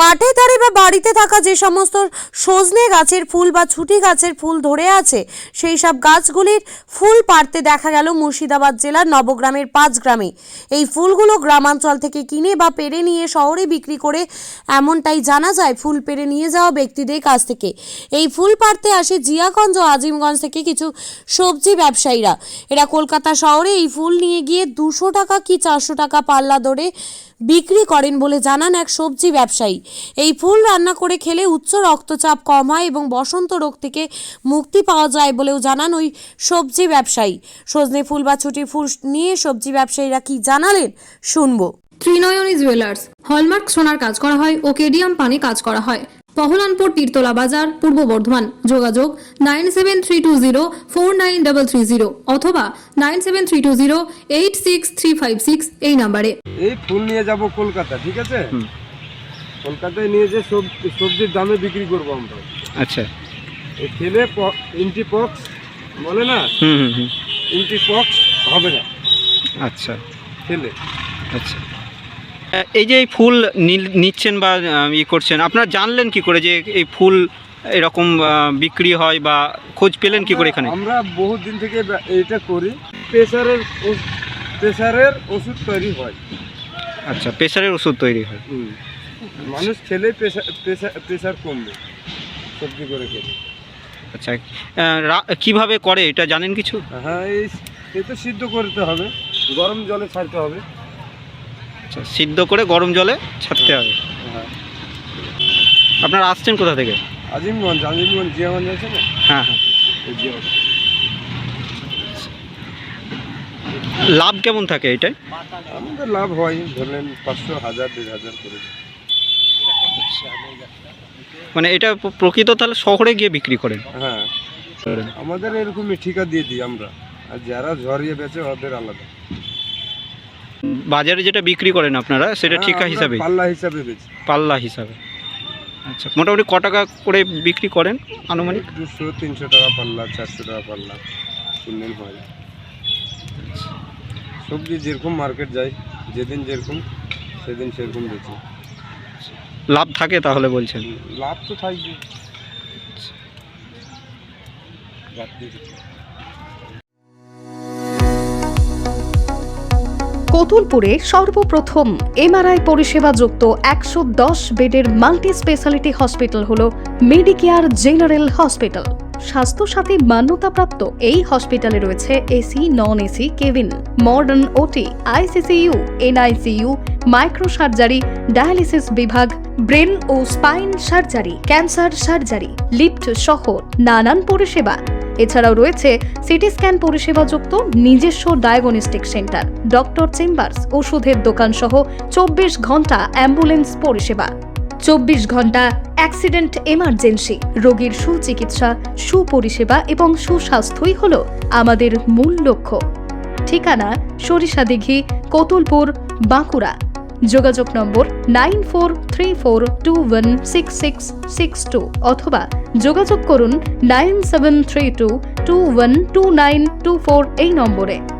মাঠে ধারে বা বাড়িতে থাকা যে সমস্ত সজনে গাছের ফুল বা ছুটি গাছের ফুল ধরে আছে সেই সব গাছগুলির ফুল পাড়তে দেখা গেল মুর্শিদাবাদ জেলার নবগ্রামের 5 গ্রামে। এই ফুলগুলো গ্রামাঞ্চল থেকে কিনে বা পেড়ে নিয়ে শহরে বিক্রি করে এমনটাই জানা যায় ফুল পেড়ে নিয়ে যাওয়া ব্যক্তিদের কাছ থেকে। এই ফুল পাড়তে আসে জিয়াগঞ্জ ও আজিমগঞ্জ থেকে কিছু সবজি ব্যবসায়ীরা। এরা কলকাতা শহরে এই ফুল নিয়ে গিয়ে 200 টাকা কি 400 টাকা পাল্লা দরে বিক্রি করেন বলে জানান এক সবজি ব্যবসায়ী। এই ফুল রান্না করে খেলে উচ্চ রক্তচাপ কম হয় এবং বসন্ত রোগ থেকে মুক্তি পাওয়া যায় বলেও জানান ওই সবজি ব্যবসায়ী। সজনে ফুল বা ছুটি ফুল নিয়ে সবজি ব্যবসায়ীরা কি জানালেন শুনবো। ত্রিনয়নী জুয়েলার্স হলমার্ক সোনার কাজ করা হয় ও কেডিয়াম পানি কাজ করা হয়। পহলানপুর তীরতলা বাজার, পূর্ব বর্ধমান। যোগাযোগ 9732049330 অথবা 9732086356 এই নাম্বারে। এই ফুল নিয়ে যাব কলকাতা, ঠিক আছে? কলকাতায় নিয়ে যে সবজির দামে বিক্রি করব আমরা। আচ্ছা, এই খেলে ইন্টিপক্স বলে না, ইন্টিপক্স হবে না। আচ্ছা খেলে। আচ্ছা, এই যে এই ফুল নিচ্ছেন বা করছেন, আপনারা জানলেন কি করে যে এই ফুল এরকম বিক্রি হয় বা খোঁজ পেলেন কি করে এখানে? আমরা বহুত দিন থেকে এটা করি। প্রেসারের ওষুধ তৈরি হয়। আচ্ছা, প্রেসারের ওষুধ তৈরি হয়। মানুষ খেলে প্রেসার কমবে সবজি করে খেলে। আচ্ছা, কিভাবে করে এটা জানেন কিছু? হ্যাঁ, এই তো সিদ্ধ করতে হবে, গরম জলে ছাড়তে হবে। আচ্ছা, সিদ্ধ করে গরম জলে ছাড়তে হবে। হ্যাঁ। আপনারা আসছেন কোথা থেকে? আজিমগঞ্জ জিয়াগঞ্জ আছে না? হ্যাঁ হ্যাঁ। লাভ কেমন থাকে এটাই? আমাদের লাভ হয় ধরলেন 500, 1000, 1500 করে। মানে এটা প্রকৃত তাহলে শহরে গিয়ে বিক্রি করেন? হ্যাঁ, আমাদের এরকমই ঠিকা দিয়ে দিই আমরা, আর যারা ঝরিয়ে বেচে ওদের আলাদা। বাজারে যেটা বিক্রি করেন আপনারা সেটা ঠিকা হিসাবে? পাল্লা হিসাবে বেচি। পাল্লা হিসাবে। আচ্ছা, মোটামুটি ক টাকা করে বিক্রি করেন আনুমানিক? 200-300 টাকা পাল্লা, 400 টাকা পাল্লা কিনলেন হয়। সবজি যেরকম মার্কেট যায়, যেদিন যেরকম সেদিন সেরকম বেচি। লাভ থাকে তাহলে বলছেন? লাভ তো থাকবে। কতুলপুরে সর্বপ্রথম এমআরআই পরিষেবা যুক্ত 110 বেডের মাল্টি স্পেশালিটি হসপিটাল হল মেডিকেয়ার জেনারেল হসপিটাল। স্বাস্থ্যসাথী মান্যতাপ্রাপ্ত এই হসপিটালে রয়েছে AC, non AC cabin, modern OT, ICCU, NICU, micro surgery, dialysis বিভাগ, ব্রেন ও spine surgery, cancer surgery, lift সহ নানান পরিষেবা। এছাড়াও রয়েছে সিটি স্ক্যান পরিষেবা যুক্ত নিজস্ব ডায়াগনস্টিক সেন্টার, ডক্টর চেম্বার্স, ওষুধের দোকান সহ 24 ঘন্টা অ্যাম্বুলেন্স পরিষেবা। 24 ঘন্টা অ্যাক্সিডেন্ট এমার্জেন্সি। রোগীর সুচিকিৎসা, সুপরিষেবা এবং সুস্বাস্থ্যই হল আমাদের মূল লক্ষ্য। ঠিকানা সরিষাদিঘি, কতুলপুর, বাঁকুড়া। যোগাযোগ নম্বর 9434216662 অথবা যোগাযোগ করুন 9732212924 এই নম্বরে।